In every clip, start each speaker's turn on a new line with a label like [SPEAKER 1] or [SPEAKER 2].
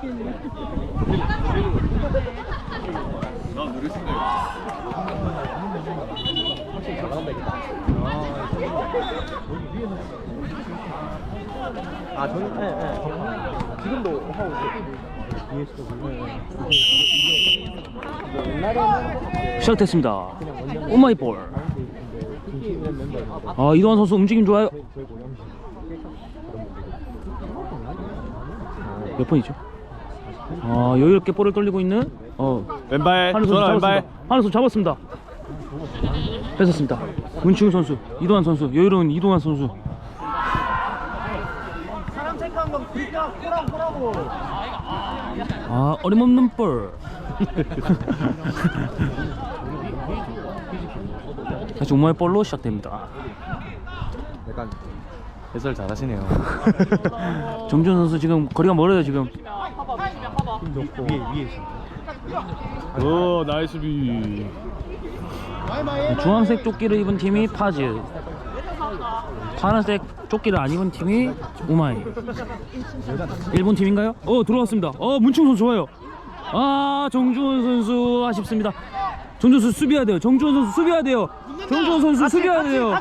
[SPEAKER 1] 나 누릴 생각이
[SPEAKER 2] 확실히 잘 나간다 이거. 아 저는 지금도 하고 있어요.
[SPEAKER 3] 시작됐습니다. 오마이볼. 아, 이동환 선수 움직임 좋아요. 몇 번이죠? 아, 여유롭게 볼을 돌리고 있는
[SPEAKER 1] 왼발
[SPEAKER 3] 한우 선수 잡았습니다. 한우 선수 잡았습니다. 뺏었습니다. 문치훈 선수, 이동환 선수, 여유로운 이동환 선수.
[SPEAKER 2] 사람 체크한 건 그니까 코라고.
[SPEAKER 3] 아, 어림없는 볼. 다시 오마이 볼로 시작됩니다.
[SPEAKER 1] 약간 해설 잘하시네요.
[SPEAKER 3] 정준 선수 지금 거리가 멀어요 지금.
[SPEAKER 2] 위에
[SPEAKER 1] 오 나이스 비.
[SPEAKER 3] 주황색 조끼를 입은 팀이 파즈, 파란색 조끼를 안 입은 팀이 우마이. 일본 팀인가요? 들어왔습니다. 문충 선수 좋아요. 아, 정주원 선수 아쉽습니다. 정주원 선수 수비해야 돼요. 정주원 선수 수비해야 돼요. 정주원 선수 수비해야 돼요.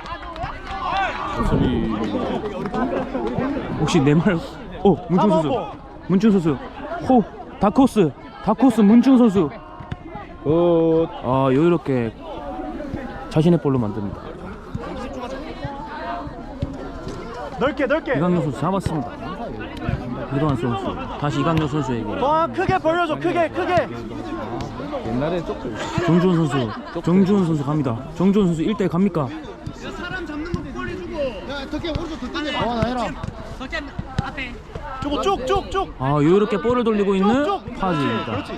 [SPEAKER 1] 수비.
[SPEAKER 3] 혹시 내 말? 문충 선수. 문충 선수. 다코스 문충 선수. 여유롭게 자신의 볼로 만듭니다.
[SPEAKER 2] 넓게.
[SPEAKER 3] 이강렬 선수 잡았습니다. 이동환 선수 다시 이강렬 선수에게.
[SPEAKER 2] 와 크게 벌려줘 크게.
[SPEAKER 1] 옛날에 조금
[SPEAKER 3] 정주원 선수 갑니다. 정주원 선수 1대1 갑니까?
[SPEAKER 4] 사람 잡는 거 빨리 주고. 야, 덕계 오른쪽 덕계 내려.
[SPEAKER 2] 나 해라.
[SPEAKER 4] 덕계 앞에.
[SPEAKER 2] 저거 쭉.
[SPEAKER 3] 여유롭게 볼을 돌리고 있는 파즈입니다.
[SPEAKER 2] 그렇지.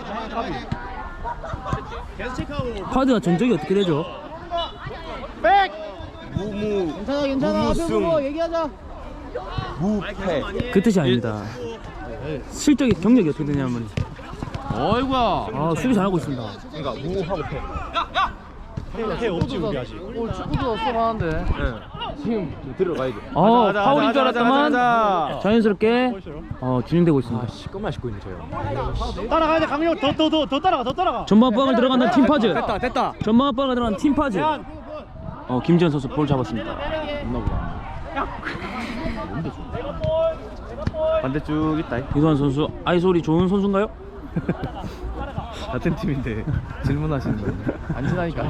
[SPEAKER 2] 계속 체크하고.
[SPEAKER 3] 파즈가 전적이 어떻게 되죠?
[SPEAKER 2] 백.
[SPEAKER 4] 괜찮아. 앞에 보고 얘기하자.
[SPEAKER 1] 무패.
[SPEAKER 3] 그 뜻이 아닙니다. 실적이 경력이 어떻게 되냐면
[SPEAKER 1] 어이구야.
[SPEAKER 3] 수비 잘하고 있습니다.
[SPEAKER 1] 그러니까 무하고 패.
[SPEAKER 2] 해 없지 우리 아직.
[SPEAKER 1] 오늘 축구도 쏠하는데. 지금 들어가야죠.
[SPEAKER 3] 파울인 줄 알았더만 자연스럽게 진행되고 있습니다.
[SPEAKER 1] 시꺼만 씻고 있는 저요.
[SPEAKER 2] 따라가야 돼 강력 더 따라가.
[SPEAKER 3] 전방압박을 들어간다는 팀 파즈.
[SPEAKER 1] 됐다.
[SPEAKER 3] 전방압박을 들어간 팀 파즈. 김지현 선수 볼 잡았습니다.
[SPEAKER 1] 없나보다. 반대쪽 있다.
[SPEAKER 3] 이동환 선수 아이솔이 좋은 선수인가요?
[SPEAKER 1] 같은 팀인데 질문하시는 거예요. 안 친하니까.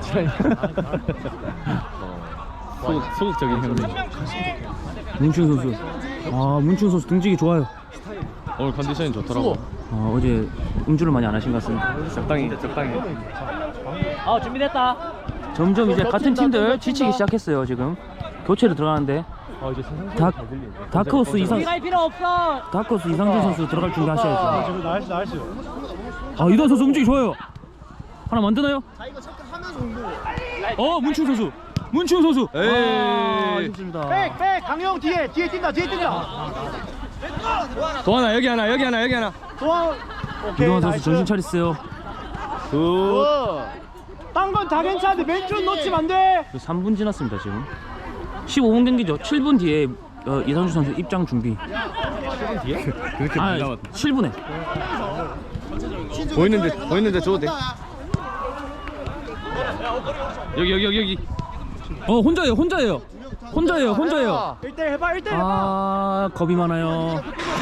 [SPEAKER 1] 소극적인 형님.
[SPEAKER 3] 문춘 선수. 문춘 선수 등지기 좋아요.
[SPEAKER 1] 오늘 컨디션이 좋더라고.
[SPEAKER 3] 어제 음주를 많이 안 하신 것 같습니다.
[SPEAKER 1] 적당히.
[SPEAKER 3] 준비됐다. 점점 이제 같은 팀들 지치기 시작했어요. 지금 교체로 들어가는데 다크호스 이상준 선수 들어갈 준비 하셔야죠.
[SPEAKER 2] 나이스.
[SPEAKER 3] 이동환 선수 움직이 좋아요. 하나 만드나요? 문충 선수. 아쉽습니다.
[SPEAKER 2] 백 강영 뒤에 뛴다.
[SPEAKER 1] 도하나 여기 하나.
[SPEAKER 2] 도와.
[SPEAKER 3] 이동환 선수 정신 차리세요.
[SPEAKER 2] 딴 건 다 괜찮은데 맨줄 놓치면 안 돼.
[SPEAKER 3] 3분 지났습니다 지금. 15분 경기죠. 7분 뒤에 이상준 선수 입장 준비.
[SPEAKER 1] 7분 뒤에? 그렇게 못 남았다.
[SPEAKER 3] 7분에.
[SPEAKER 1] 보이는데 줘도 돼. 여기.
[SPEAKER 3] 혼자예요.
[SPEAKER 2] 1대1 해봐.
[SPEAKER 3] 겁이 많아요.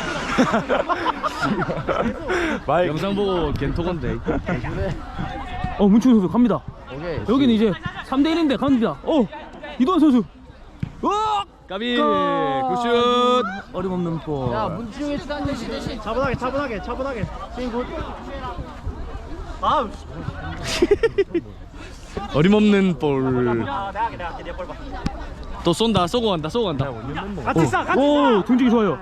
[SPEAKER 1] 영상 보고 겐토건데.
[SPEAKER 3] 문충 선수 갑니다. 여기는 이제 3대1인데 갑니다. 이동환 선수.
[SPEAKER 1] 까비 굿슛.
[SPEAKER 3] 어림없는 볼.
[SPEAKER 4] 문지웅의 대신.
[SPEAKER 2] 차분하게. 스윙 굿.
[SPEAKER 1] 어림없는 볼. 또 쏜다. 쏘고 간다.
[SPEAKER 2] 같이 싸.
[SPEAKER 3] 등지기 좋아요.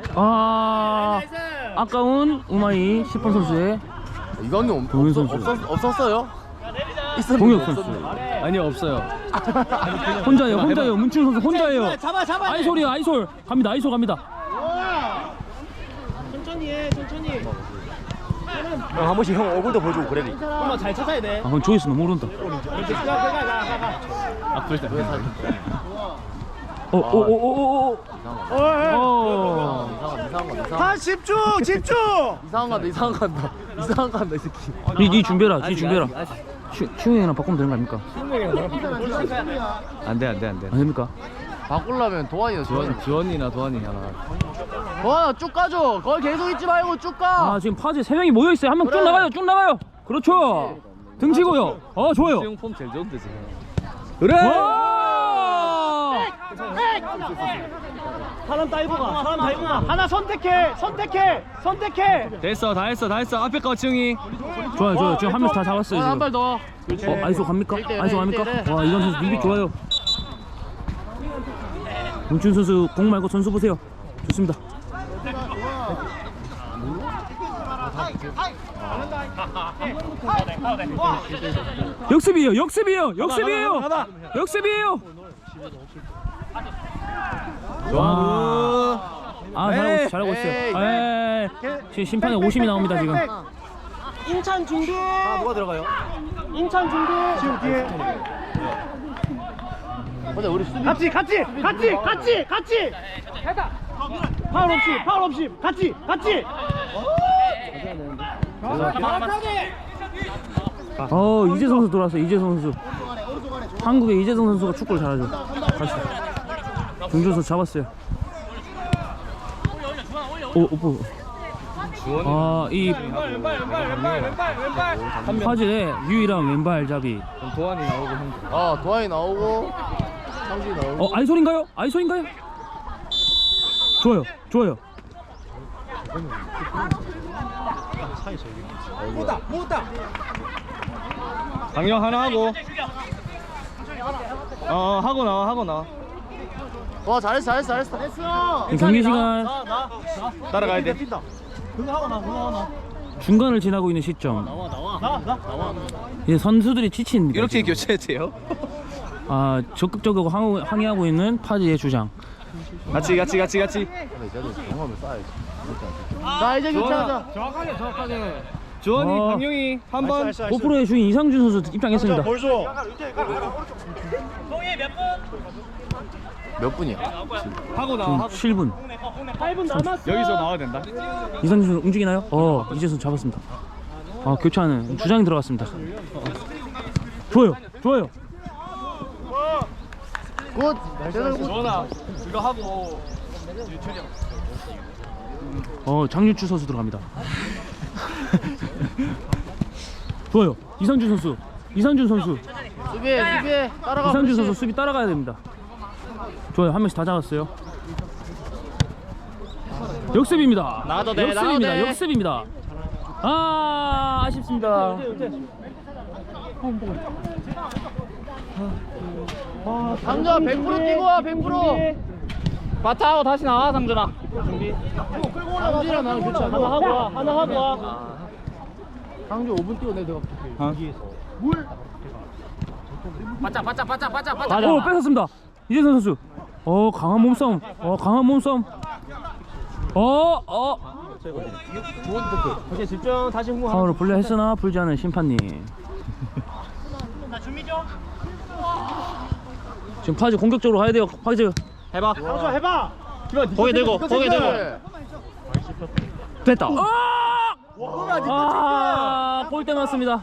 [SPEAKER 3] 아까운 우마이 10번 선수의
[SPEAKER 1] 이강용
[SPEAKER 3] 동현 선수.
[SPEAKER 1] 없었어요?
[SPEAKER 3] 동혁 선수.
[SPEAKER 1] 아니요 없어요.
[SPEAKER 3] 혼자예요. 문충 선수 혼자예요.
[SPEAKER 2] 잡아.
[SPEAKER 3] 아이솔 갑니다.
[SPEAKER 2] 천천히 해.
[SPEAKER 5] 한 번씩 형 얼굴도 보여주고 그래.
[SPEAKER 2] 엄마 잘 찾아야 돼.
[SPEAKER 3] 그럼 조회수 너무 오른다.
[SPEAKER 2] 가.
[SPEAKER 1] 앞을 때.
[SPEAKER 3] 오오오오오.
[SPEAKER 2] 다 집중 집중.
[SPEAKER 1] 이상한 간다 이 새끼.
[SPEAKER 3] 니 준비해라. 니 준비해라. 슈형이랑 바꾸면 되는 거 아닙니까?
[SPEAKER 1] 안돼
[SPEAKER 3] 안 됩니까?
[SPEAKER 1] 바꾸려면 지원이나 도환이 하나. 도환아 쭉 가줘. 거기 계속 있지 말고 쭉 가.
[SPEAKER 3] 아 지금 파지 3명이 모여 있어요. 한 명 쭉 나가요. 쭉 나가요. 그렇죠. 등치고요. 좋아요.
[SPEAKER 1] 수영 폼 제일 좋은데 지금.
[SPEAKER 3] 그래.
[SPEAKER 2] 사람 다이브가 하나 선택해.
[SPEAKER 1] 됐어 다 했어 앞에 거 지웅이.
[SPEAKER 3] 좋아요. 지금 한 명씩 다 잡았어요. 지금.
[SPEAKER 1] 한 발 더.
[SPEAKER 3] 아이소 갑니까?
[SPEAKER 1] 일대일,
[SPEAKER 3] 아이소 갑니까?
[SPEAKER 1] 일대일.
[SPEAKER 3] 와 이건 선수 눈빛 좋아요. 문춘 선수 공 말고 선수 보세요. 좋습니다. 역습이에요. 잘하고 있어요. 지금 심판에 50이 나옵니다 지금.
[SPEAKER 2] 인천 준비. 누가 들어가요? 인천 준비. 지금 뒤에.
[SPEAKER 1] 맞아 우리 수비.
[SPEAKER 2] 같이. 파울 없이 같이.
[SPEAKER 3] 이재성 선수 들어왔어요. 이재성 선수. 한국의 이재성 선수가 축구를 잘하죠. 다시. 중준 선수 잡았어요. 오빠. 이 화질의 유일한 왼발잡이.
[SPEAKER 1] 도환이 나오고 형. 도환이 나오고 상준이 나오고.
[SPEAKER 3] 아이솔인가요? 좋아요.
[SPEAKER 1] 강령 하나 하고. 하고 나와. 와 잘했어.
[SPEAKER 3] 경기 시간
[SPEAKER 1] 따라가야 돼.
[SPEAKER 2] 그거 하고 나.
[SPEAKER 3] 중간을 지나고 있는 시점.
[SPEAKER 2] 나와.
[SPEAKER 3] 이제 선수들이 지칩니다.
[SPEAKER 1] 이렇게
[SPEAKER 3] 지금.
[SPEAKER 1] 교체돼요?
[SPEAKER 3] 적극적으로 항의하고 있는 파지의 주장.
[SPEAKER 1] 같이.
[SPEAKER 2] 자 이제 교체하자.
[SPEAKER 1] 정확하게. 주원이, 강용이 한 번.
[SPEAKER 3] 고프로의 주인 이상준 선수 입장했습니다.
[SPEAKER 2] 볼 줘.
[SPEAKER 1] 몇 분이야?
[SPEAKER 3] 지금
[SPEAKER 1] 하고 나와.
[SPEAKER 3] 7분.
[SPEAKER 2] 8분 남았어.
[SPEAKER 1] 여기서 나와야 된다.
[SPEAKER 3] 이상준 선수 움직이나요? 이재선 잡았습니다. 교체하는 주장이 들어갔습니다. 좋아요.
[SPEAKER 1] 굿. 주원아 이거 하고.
[SPEAKER 3] 장윤추 선수 들어갑니다. 좋아요. 이상준 선수.
[SPEAKER 1] 수비해. 따라가.
[SPEAKER 3] 이상준 선수 수비 따라가야 됩니다. 좋아요. 한 명씩 다 잡았어요. 역습입니다.
[SPEAKER 1] 나가도 돼.
[SPEAKER 3] 역습입니다. 아쉽습니다.
[SPEAKER 1] 상준아 100% 뛰고 와 100%. 바타하고 다시 나와 상준아. 상준이랑 나는 교체하자.
[SPEAKER 2] 하나 하고 와.
[SPEAKER 1] 상준 5분 뛰고 내가
[SPEAKER 3] 뺏었습니다. 이재선 선수. 강한 몸싸움.
[SPEAKER 2] 오케이 집중. 다시 흥분.
[SPEAKER 3] 파울을 불려 했으나 불지 않은 심판님. 지금 파지 공격적으로 가야 돼요. 파지.
[SPEAKER 1] 해봐.
[SPEAKER 2] 해봐.
[SPEAKER 1] 거기 대고.
[SPEAKER 3] 됐다. 골대 맞습니다.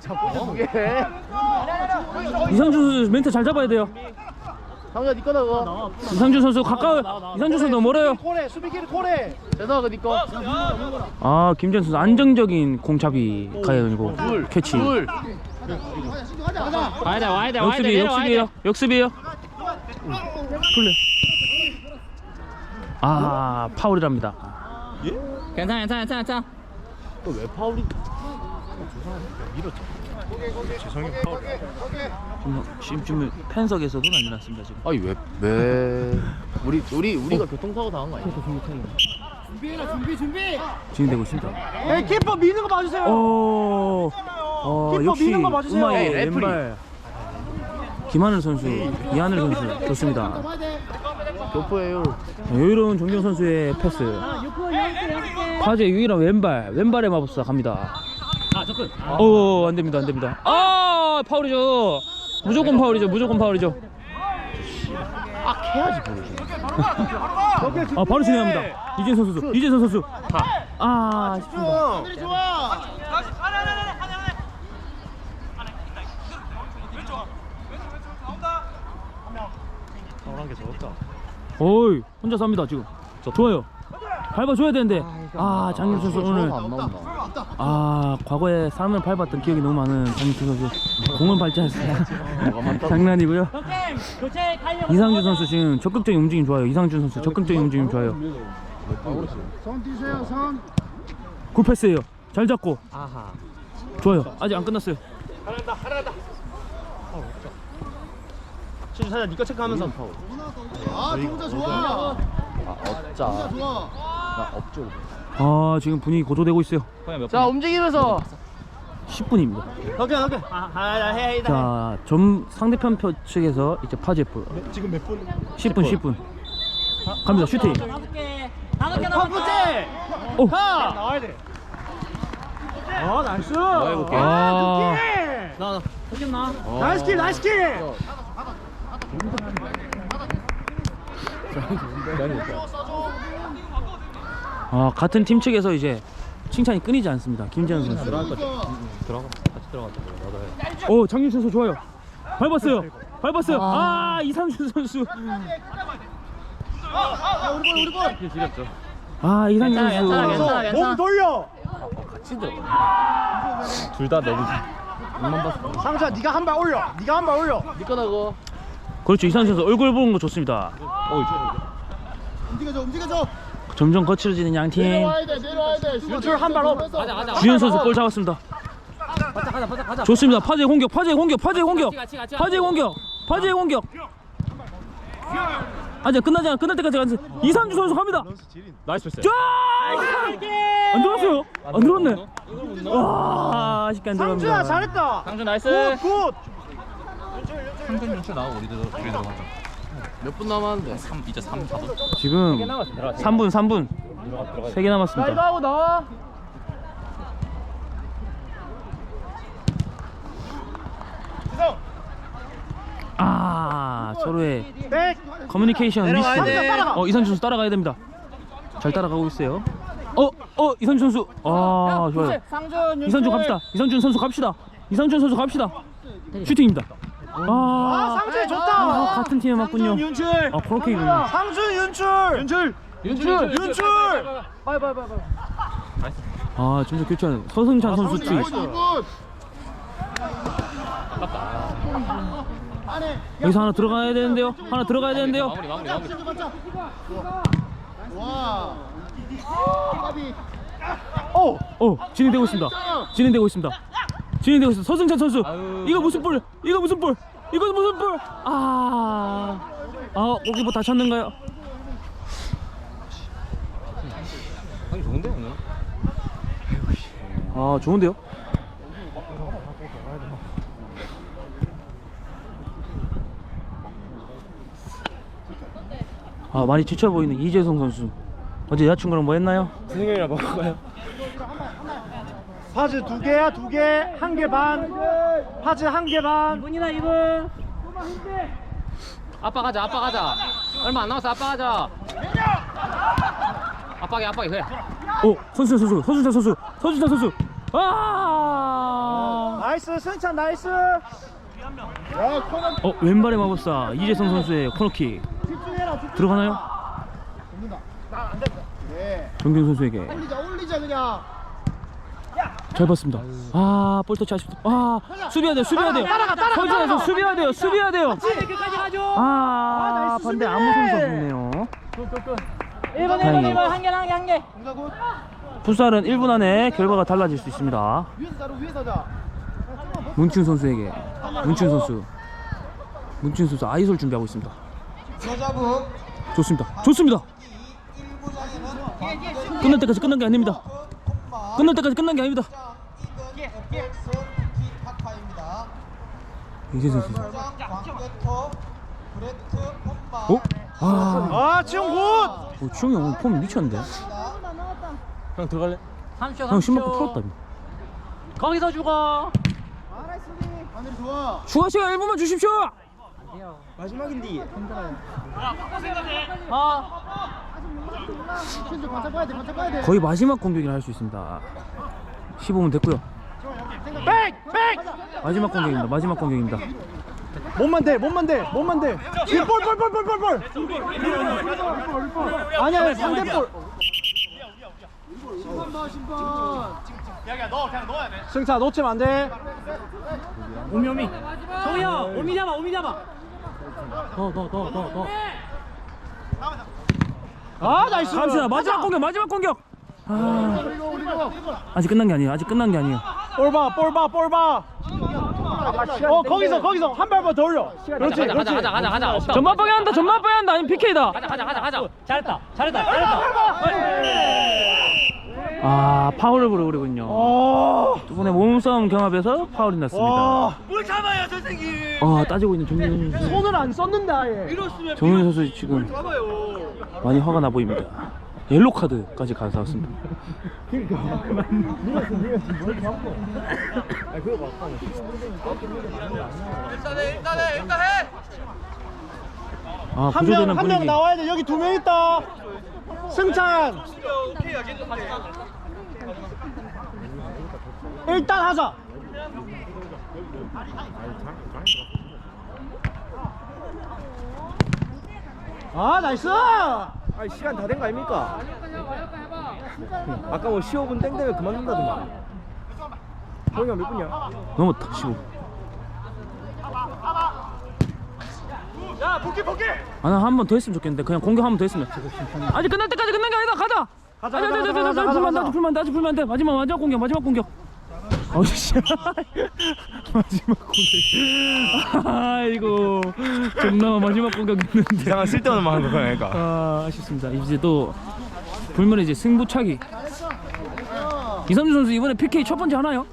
[SPEAKER 3] 이상준 선수 멘트 잘 잡아야 돼요.
[SPEAKER 1] 상준아 니 거다 그거.
[SPEAKER 3] 이상준 선수 가까워. 이상준 선수 멀어요.
[SPEAKER 2] 코레 수비기를 코레.
[SPEAKER 1] 대성아 그거 니 거.
[SPEAKER 3] 김재현 선수 안정적인 공잡이 가야되고 캐치.
[SPEAKER 1] 둘.
[SPEAKER 2] 와야 돼.
[SPEAKER 3] 역습이에요. 플레이. 파울이랍니다.
[SPEAKER 1] 괜찮아.
[SPEAKER 2] 왜 파울이?
[SPEAKER 3] 지금 팬석에서도 난리 났습니다 지금.
[SPEAKER 1] 아니 왜 우리가 교통사고 당한 거 아니야?
[SPEAKER 2] 준비.
[SPEAKER 3] 진행되고 있습니다.
[SPEAKER 2] 에이 키퍼 미는 거 봐주세요. 키퍼
[SPEAKER 3] 역시
[SPEAKER 2] 미는 거 봐주세요.
[SPEAKER 3] 우마의
[SPEAKER 1] 에이, 레프리.
[SPEAKER 3] 왼발 김하늘 선수, 이하늘 선수 좋습니다.
[SPEAKER 1] 교포예요.
[SPEAKER 3] 여유로운 정경 선수의 패스. 화제 유일한 왼발의 마법사 갑니다. 접근. 안 됩니다. 파울이죠. 무조건 파울이죠.
[SPEAKER 1] 해야지 모르지.
[SPEAKER 3] 아 바로 진행합니다. 이재선 선수. 이재선 선수. 아 아쉽습니다.
[SPEAKER 4] 하늘이 좋아.
[SPEAKER 3] 어이 혼자 삽니다 지금. 좋아요. 밟아줘야 되는데 장윤 선수 오늘 과거에 사람을 밟았던 기억이 너무 많은 장윤 선수 공은 밟지 않습니다. 장난이고요. 이상준 선수 지금 적극적인 움직임 좋아요. 이상준 선수 적극적인 움직임 좋아요.
[SPEAKER 4] 손 뛰세요, 손.
[SPEAKER 3] 굿패스예요. 잘 잡고 좋아요. 아직 안 끝났어요.
[SPEAKER 2] 진짜 살짝 니꺼 체크하면서.
[SPEAKER 4] 아, 동자 좋아. 동자 좋아.
[SPEAKER 3] 지금 분위기 고조되고 있어요.
[SPEAKER 1] 자 움직이면서
[SPEAKER 3] 10분입니다.
[SPEAKER 2] 오케이. 해.
[SPEAKER 3] 자, 상대편 표 측에서 이제 파제프.
[SPEAKER 2] 지금 몇 분?
[SPEAKER 3] 10분. 갑니다. 슈팅.
[SPEAKER 2] 첫 번째.
[SPEAKER 3] 오.
[SPEAKER 2] 나와야 돼. 나이스.
[SPEAKER 1] 해볼게.
[SPEAKER 2] 나이스 킬.
[SPEAKER 3] 같은 팀 측에서 이제 칭찬이 끊이지 않습니다. 김재현 선수. 장윤 선수 좋아요. 밟았어요. 이상준 선수.
[SPEAKER 4] 우리 볼.
[SPEAKER 3] 이상준 선수.
[SPEAKER 1] 괜찮아.
[SPEAKER 2] 몸 돌려.
[SPEAKER 1] 둘 다 너무
[SPEAKER 2] 상주야, 네가 한 발 올려.
[SPEAKER 1] 니 거다고.
[SPEAKER 3] 그렇죠. 이상준 선수 얼굴 보는 거 좋습니다.
[SPEAKER 4] 움직여줘.
[SPEAKER 3] 점점 거칠어지는 양 팀.
[SPEAKER 4] 내려와야 돼.
[SPEAKER 2] 윤출 한 발 업.
[SPEAKER 3] 주현 선수 볼 잡았습니다.
[SPEAKER 1] 가자.
[SPEAKER 3] 좋습니다. 파제 공격. 파제 공격. 아직 끝나지 않아. 끝날 때까지 가는 이상준 선수 갑니다.
[SPEAKER 1] 나이스 패스.
[SPEAKER 3] 쫙! 안 들어갔어요. 안 들어갔네. 와, 아쉽게 안 들어갑니다.
[SPEAKER 2] 상주야 잘했다.
[SPEAKER 1] 상준 나이스.
[SPEAKER 2] 굿.
[SPEAKER 1] 상준 연출 나오고 우리도 들어가자. 몇 분 남았는데? 이제 3, 4분.
[SPEAKER 3] 지금 3분 3개 남았습니다.
[SPEAKER 1] 이거 하고 나와.
[SPEAKER 3] 서로의
[SPEAKER 2] 백.
[SPEAKER 3] 커뮤니케이션 미스.
[SPEAKER 2] 내려와야 돼.
[SPEAKER 3] 이상준 선수 따라가야 됩니다. 잘 따라가고 있어요. 이상준 선수. 좋아요.
[SPEAKER 1] 상준
[SPEAKER 3] 이상준 갑시다. 이상준 선수 갑시다. 슈팅입니다.
[SPEAKER 2] 상주 좋다.
[SPEAKER 3] 같은 팀에 맞군요.
[SPEAKER 2] 상준 윤출.
[SPEAKER 3] 코너킥이군요.
[SPEAKER 2] 상준 윤출.
[SPEAKER 1] 빨리.
[SPEAKER 3] 점점 교체하는 서승찬 선수 투입. 여기서 하나 들어가야 되는데요.
[SPEAKER 1] 마무리.
[SPEAKER 4] 와. 까비.
[SPEAKER 3] 진행되고 있습니다. 서승찬 선수. 이거 무슨 볼? 골키퍼 다쳤는가요?
[SPEAKER 1] 좋은데 오늘?
[SPEAKER 3] 좋은데요? 많이 지쳐 보이는 이재성 선수. 어제 여자친구랑 뭐 했나요?
[SPEAKER 2] 진행이랑 먹어요. 파즈 2개야, 2개. 1개 반. 파즈 1개 반. 2분이다 2분.
[SPEAKER 1] 아빠 가자. 얼마 안 남았어. 아빠 가자. 아빠게 그래.
[SPEAKER 3] 서준찬 선수.
[SPEAKER 2] 나이스 승찬 나이스.
[SPEAKER 4] 야, 코너.
[SPEAKER 3] 왼발의 마법사 이재성 선수의 코너킥 들어가나요?
[SPEAKER 4] 네.
[SPEAKER 3] 정경 선수에게
[SPEAKER 4] 올리자 그냥.
[SPEAKER 3] 잘 봤습니다. 볼 터치 아쉽다. 수비해야 돼요. 서준찬 선수 수비해야 돼요.
[SPEAKER 2] 끝까지 가죠.
[SPEAKER 3] 반대
[SPEAKER 2] 수비!
[SPEAKER 3] 아무 선수 없네요.
[SPEAKER 2] 1번
[SPEAKER 3] 다행이에요.
[SPEAKER 2] 한 개.
[SPEAKER 3] 풋살은 1분 안에 결과가 달라질 수 있습니다.
[SPEAKER 4] 위에서 자.
[SPEAKER 3] 문춘 선수에게 문춘 선수 아이솔 준비하고 있습니다. 좋습니다. 끝날 때까지 끝난 게 아닙니다. 이재성 선수.
[SPEAKER 2] 지용 굿.
[SPEAKER 3] 주영이 오늘 폼 미쳤는데.
[SPEAKER 1] 형 들어갈래?
[SPEAKER 3] 형 신발 풀었다.
[SPEAKER 1] 거기서 죽어.
[SPEAKER 4] 하늘이 좋아.
[SPEAKER 3] 추가 시간 1분만 주십시오.
[SPEAKER 2] 마지막인데.
[SPEAKER 4] 신주 반짝 봐야 돼, 반짝 봐야 돼.
[SPEAKER 3] 거의 마지막 공격이라 할 수 있습니다. 15분 됐고요. 마지막 공격입니다. 마지막 공격입니다.
[SPEAKER 2] 몸만 대. 몸만 돼. 볼. 아니야, 상대 볼. 승차 놓치면 안 돼.
[SPEAKER 3] 오미. 정우야, 오미 잡아. 더.
[SPEAKER 2] 아, 나이스.
[SPEAKER 3] 감시다. 마지막 공격. 아직 끝난 게 아니에요.
[SPEAKER 2] 볼 봐. 거기서 한 발만 더 올려. 그렇지.
[SPEAKER 1] 가자. 없다.
[SPEAKER 3] 전반 방해 한다. 아니면 PK다.
[SPEAKER 1] 가자.
[SPEAKER 3] 잘했다. 아, 파울을 부르군요. 두 분의 몸싸움 경합에서 파울이 났습니다.
[SPEAKER 2] 뭘 잡아요, 선생님.
[SPEAKER 3] 따지고 있는 정윤 선수.
[SPEAKER 2] 손을 안 썼는데 아예.
[SPEAKER 3] 정윤 선수 지금 많이 화가 나 보입니다. 옐로 카드까지 가져왔습니다.
[SPEAKER 1] 일단 해.
[SPEAKER 3] 구조되는
[SPEAKER 2] 한 명
[SPEAKER 3] 분위기.
[SPEAKER 2] 나와야 돼. 여기 2명 있다. 승찬. 일단 하자. 아, 나이스.
[SPEAKER 5] 아니 시간 다 된 거 아닙니까? 아까 뭐 15분 땡 되면 그만둔다더만. 형이가 몇 분이야?
[SPEAKER 3] 넘었다. 15.
[SPEAKER 2] 야, 복귀.
[SPEAKER 3] 나 한 번 더 했으면 좋겠는데 그냥 공격 한 번 더 했으면. 아직 끝날 때까지 끝난 게 아니다. 가자. 아직 풀면 안 돼. 마지막 공격. 어이씨. 마지막 공격. 아이고. 존나 마지막 공격했는데.
[SPEAKER 5] 이상한 쓸데없는 말 하는 거야, 그러니까.
[SPEAKER 3] 아쉽습니다. 이제 또 불면의 이제 승부차기. 이삼주 선수 이번에 PK 첫 번째 하나요?